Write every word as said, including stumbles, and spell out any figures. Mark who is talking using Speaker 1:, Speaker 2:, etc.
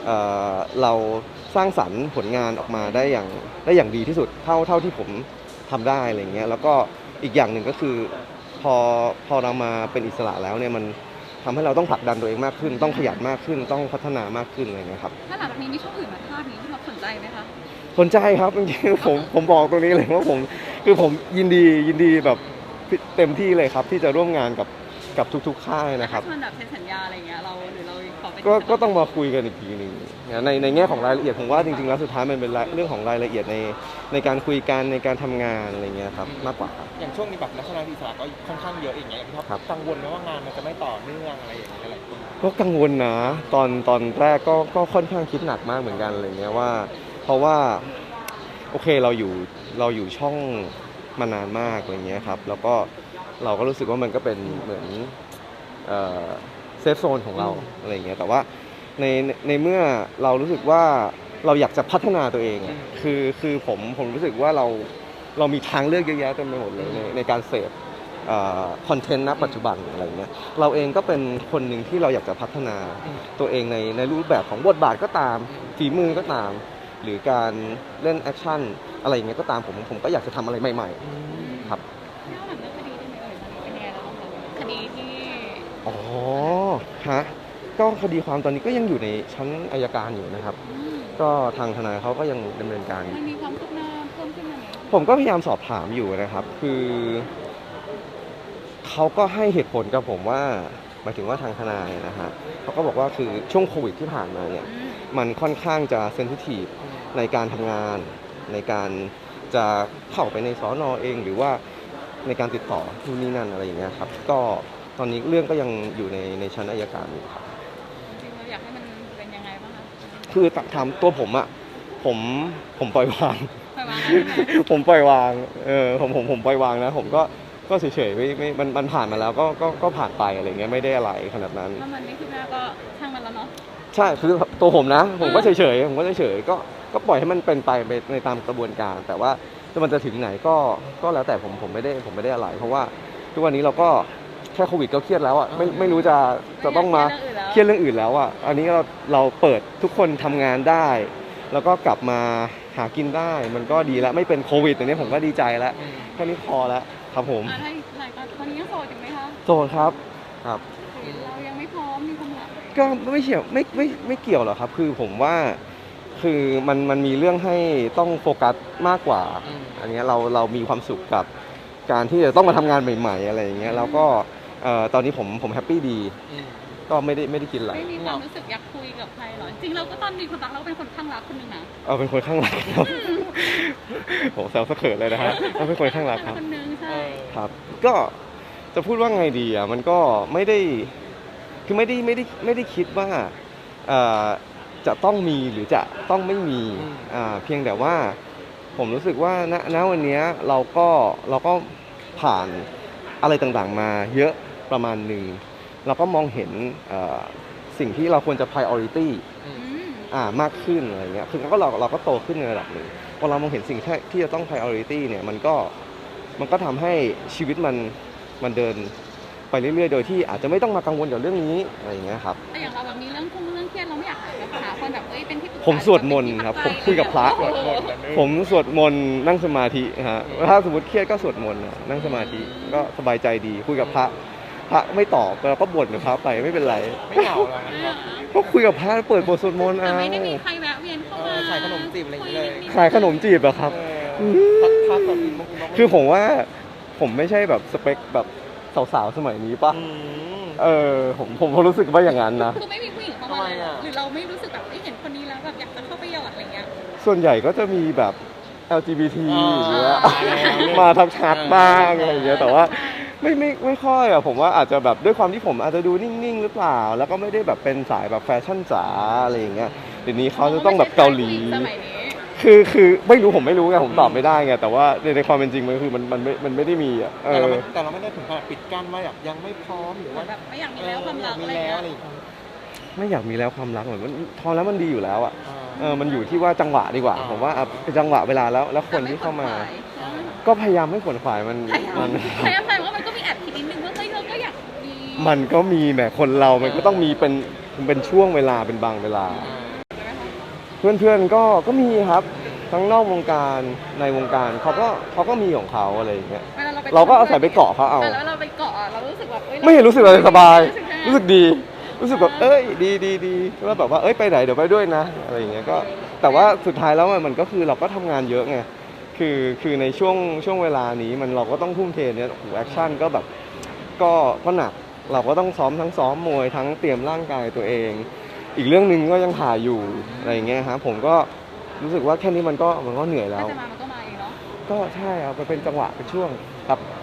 Speaker 1: เราสร้างสรรค์ผลงานออกมาได้อย่างได้อย่างดีที่สุดเท่าเท่าที่ผมทำได้อะไรเงี้ยแล้วก็อีกอย่างหนึ่งก็คือพอพอเรามาเป็นอิสระแล้วเนี่ยมันทำให้เราต้องผลักดันตัวเองมากขึ้นต้องขยันมากขึ้นต้องพัฒนามากขึ้นอะไรเงี้ยครับ
Speaker 2: ถ้าหลังจากนี้มีช่องอื่นมาทาบนี้พี่ท็อปสนใจไหมคะ
Speaker 1: สนใจครับจริงๆผมผมบอกตรงนี้เลยว่าผมคือผมยินดียินดีแบบเต็มที่เลยครับที่จะร่วมงานกับกับทุกๆค่ายนะครับ
Speaker 2: ถ้ามันแบบเซ็นสัญญาอะไรเงี้ยเราหรือเราขอเป็น
Speaker 1: ก็ก็ต้องมาคุยกันอีกทีหนึ่งในในแง่ของรายละเอียดผมว่าจริงๆแล้วสุดท้ายมันเป็นเรื่องของรายละเอียดในในการคุยกันในการทำงานอะไรเงี้ยครับมากกว่า
Speaker 3: อย่างช่วงนี้แบบนักแสดงอิสระก็ค่อนข้างเยอะอย่างเงี้ยพี่ท็อปกังวลไหมว่างานมันจะไม่ต่อเนื่องอะไรอย่างเงี้ยอะไร
Speaker 1: ก็กังวลนะตอนตอนแรกก็ก็ค่อนข้างคิดหนักมากเหมือนกันอะไรเงี้ยว่าเพราะว่าโอเคเราอยู่เราอยู่ช่องมานานมากอะไรเงี้ยครับแล้วก็เราก็รู้สึกว่ามันก็เป็นเหมือนเซฟโซนของเราอะไรเงี้ยแต่ว่าในในเมื่อเรารู้สึกว่าเราอยากจะพัฒนาตัวเองคือคือผมผมรู้สึกว่าเราเรามีทางเลือกเยอะแยะเต็มไปหมดเลยในในการเสพคอนเทนต์ณปัจจุบันอะไรเงี้ยเราเองก็เป็นคนหนึ่งที่เราอยากจะพัฒนาตัวเองในในรูปแบบของบทบาทก็ตามฝีมือก็ตามหรือการเล่นแอคชั่นอะไรอย่างเงี้ยก็ตามผมผมก็อยากจะทำอะไรใหม่ๆครับ
Speaker 2: เล่าหลังเรื่องคดีได้ไหมเอ่ยเป็นยังไงแล้วบ้างคะคดีที่
Speaker 1: อ๋อฮะก็คดีความตอนนี้ก็ยังอยู่ในชั้นอัยการอยู่นะครับก็ทางทนายเขาก็ยังดำเนินการ
Speaker 2: มันมีความคืบหน้าเพิ่มขึ้นมาไหม
Speaker 1: ผมก็พยายามสอบถามอยู่นะครับคือเขาก็ให้เหตุผลกับผมว่าหมายถึงว่าทางทนายนะฮะเขาก็บอกว่าคือช่วงโควิดที่ผ่านมาเนี่ยมันค่อนข้างจะเซนซิทีฟในการทำงานในการจะเข้าไปในสน.เองหรือว่าในการติดต่อที่นี่นั่นอะไรอย่างเงี้ยครับก็ตอนนี้เรื่องก็ยังอยู่ในในชั้นอัยการอยู่ครับ
Speaker 2: จริงๆเราอยากให้มันเป็นยังไงบ้างคะ
Speaker 1: คือถามตัวผมอะผมผมปล่อยวาง
Speaker 2: ปล่อยวาง
Speaker 1: ผมปล่อยวางเออผมผมผมปล่อยวางนะผมก็ก็เฉยๆไม่ไม่มันมันผ่านมาแล้วก็ก็ก็ผ่านไปอะไรเงี้ยไม่ได้อะไรขนาดนั้น
Speaker 2: ถ้ามันไม่คืบหน้าก็ช่างมันแล้วเนาะ
Speaker 1: ใช่คือตัวผมนะผมก็เฉยๆผมก็เฉยๆก็ก็ปล่อยให้มันเป็นไปในตามกระบวนการแต่ว่าถ้ามันจะถึงไหนก็ก็แล้วแต่ผมผมไม่ได้ผมไม่ได้อะไรเพราะว่าทุกวันนี้เราก็แค่โควิดก็เครียดแล้วอ่ะไม่ไม่รู้จะจะต้องมาเครียดเรื่องอื่นแล้วอ่ะอันนี้เราเราเปิดทุกคนทำงานได้แล้วก็กลับมาหากินได้มันก็ดีแล้วไม่เป็นโควิดอย่างนี้ผมก็ดีใจแล้วแค่นี้พอแล้วครับผม
Speaker 2: ถ้าหลายตอนนี้ยังโสดอยู่ไหมคะ
Speaker 1: โสดครับครับ
Speaker 2: เรายังไม่พร้อมมีความรัก
Speaker 1: ก็ไม่เกี่ยวไม่ไม่ไม่เกี่ยวหรอกครับคือผมว่าคือมันมันมีเรื่องให้ต้องโฟกัสมากกว่าอันนี้เราเรามีความสุขกับการที่จะต้องมาทำงานใหม่ๆอะไรอย่างเงี้ยแล้วก็ตอนนี้ผมผมแฮปปี้ดีก็ไม่ได้ไม่ได้กินอะไร
Speaker 2: ไม่มีความรู้สึกอยากคุยกับใครหรอจริงเราก็ตอนมีความรักเราเป็นคนข้างรักคนหนึ่งนะ
Speaker 1: เออเป็นคนข้างรักครับผมแซวสะเขินเลยนะฮะเราเป็นคนข้างรักครับ
Speaker 2: คนนึงใช่
Speaker 1: ครับก็จะพูดว่าไงดีอ่ะมันก็ไม่ได้คือไม่ได้ไม่ได้ไม่ได้คิดว่าจะต้องมีหรือจะต้องไม่มีเพียงแต่ว่าผมรู้สึกว่าณณวันนี้เราก็เราก็ผ่านอะไรต่างๆมาเยอะประมาณหนึ่งเราก็มองเห็นสิ่งที่เราควรจะ priority อ่ามากขึ้นอะไรเงี้ยคือก็เราเราก็โตขึ้นในระดับหนึ่งพอเรามองเห็นสิ่งที่ที่จะต้อง priority เนี่ยมันก็มันก็ทำให้ชีวิตมันมันเดินไปเรื่อยๆโดยที่อาจจะไม่ต้องมากังวลกับเรื่องนี้อะไรอย่างเงี้ยครับ
Speaker 2: แต่อย่างเราแบบมีเรื่องคุ้มเรื่องเครียดเราไม่อยากหาคนแบบเอ้ยเป็นที่ปรึกษา
Speaker 1: ผมสวดมนต์ครับผมคุยกับพระผมสวดมนต์นั่งสมาธิฮะถ้าสมมติเครียดก็สวดมนต์นั่งสมาธิก็สบายใจดีคุยกับพระพระไม่ตอบเราก็บ่นกับพระไปไม่เป็นไร
Speaker 3: ไม่เหงาหรอกนะครับ
Speaker 1: ก็คุยกับพระเปิดบทสวดมนต์
Speaker 2: เอาไม่ได้มีใครแวะเวียนเข้ามา
Speaker 3: ขายขนมจีบอะไรอย่างเงี้ยเลย
Speaker 1: ขายขนมจีบเหรอครับคือผมว่าผมไม่ใช่แบบสเปคแบบสาวๆสมัยนี้ป่ะเออผมผมรู้สึกว่าอย่างนั้นนะ
Speaker 2: คือไม่มีผู้หญิงเข้ามาหรือเราไม่รู้สึกแบบเห็นคนนี้แล้วแบบอยากจะเข้าไปหยอดอะไรเงี้ย
Speaker 1: ส่วนใหญ่ก็จะมีแบบ แอล จี บี ที อย่างเงี้ยมาทักทักบ้างอะไรอย่างเงี้ยแต่ว่าไม่ไม่ไม่ค่อยอ่ะผมว่าอาจจะแบบด้วยความที่ผมอาจจะดูนิ่งๆหรือเปล่าแล้วก็ไม่ได้แบบเป็นสายแบบแฟชั่นจ๋าอะไรอย่างเงี้ยเดี๋ยวนี้เขาจะต้องแบบเกาหลีคือคือไม่รู้ผมไม่รู้ไงผมตอบไม่ได้ไงแต่ว่าในในความเป็นจริงมันคือมันมันไม่มันไม่ได้มีอ่ะ
Speaker 3: แต่เราแต่เราไม่ได้ถึงขนาดปิดกั้นว่าแบบยังไม่พร้อมหรือว่า
Speaker 2: แบบไม่อยากมีแล้วความรักอะไรอย่างเงี้ย
Speaker 1: ไม่อยากมีแล้วความรักเหมือนมันพอแล้วมันดีอยู่แล้วอ่ะเออมันอยู่ที่ว่าจังหวะดีกว่าผมว่าเป็นจังหวะเวลาแล้วแล้วคนที่เข้ามาก็พยายามไม่ขวนขวายมัน
Speaker 2: มันพยายามแต่ว่ามันก็มีแอบคิดนิดนึงว่าเฮ้ยเราก็อยากมี
Speaker 1: มันก็มีแหมคนเรามันก็ต้องมีเป็นเป็นช่วงเวลาเป็นบางเวลาเพื่อนๆก็ก็มีครับทั้งนอกวงการในวงการเขาก็เขาก็มีของเขาอะไรอย่างเงี้ย
Speaker 2: เวลาเราไป
Speaker 1: เราก็อาศัยไปเกาะเขาเอา
Speaker 2: แต่แล้วเราไปเกาะอะเรารู้สึกแบบอ้ย
Speaker 1: ไม่เห็นรู้สึกอะไรสบาย
Speaker 2: รู้สึกยังไง
Speaker 1: รู้สึกดี รู้สึกแบบเอ้ยดีดีดีแล้วแบบว่าเอ้ยไปไหนเดี๋ยวไปด้วยนะอะไรอย่างเงี้ยก็แต่ว่าสุดท้ายแล้วมันก็คือเราก็ทำงานเยอะไงคือคือในช่วงช่วงเวลานี้มันเราก็ต้องทุ่มเทเนี่ยแอคชั่นก็แบบก็ก็หนักเราก็ต้องซ้อมทั้งซ้อมมวยทั้งเตรียมร่างกายตัวเอง อีกเรื่องหนึ่งก็ยังถ่ายอยู่อะไรอย่างเงี้ยฮะผมก็รู้สึกว่าแค่นี้มันก็มันก็เหนื่อยแล้
Speaker 2: ถ้าว จะมามันก็มาเองเนาะ
Speaker 1: ก็ใช่เอาไปเป็นจังหวะเป็นช่วงครับ
Speaker 2: อ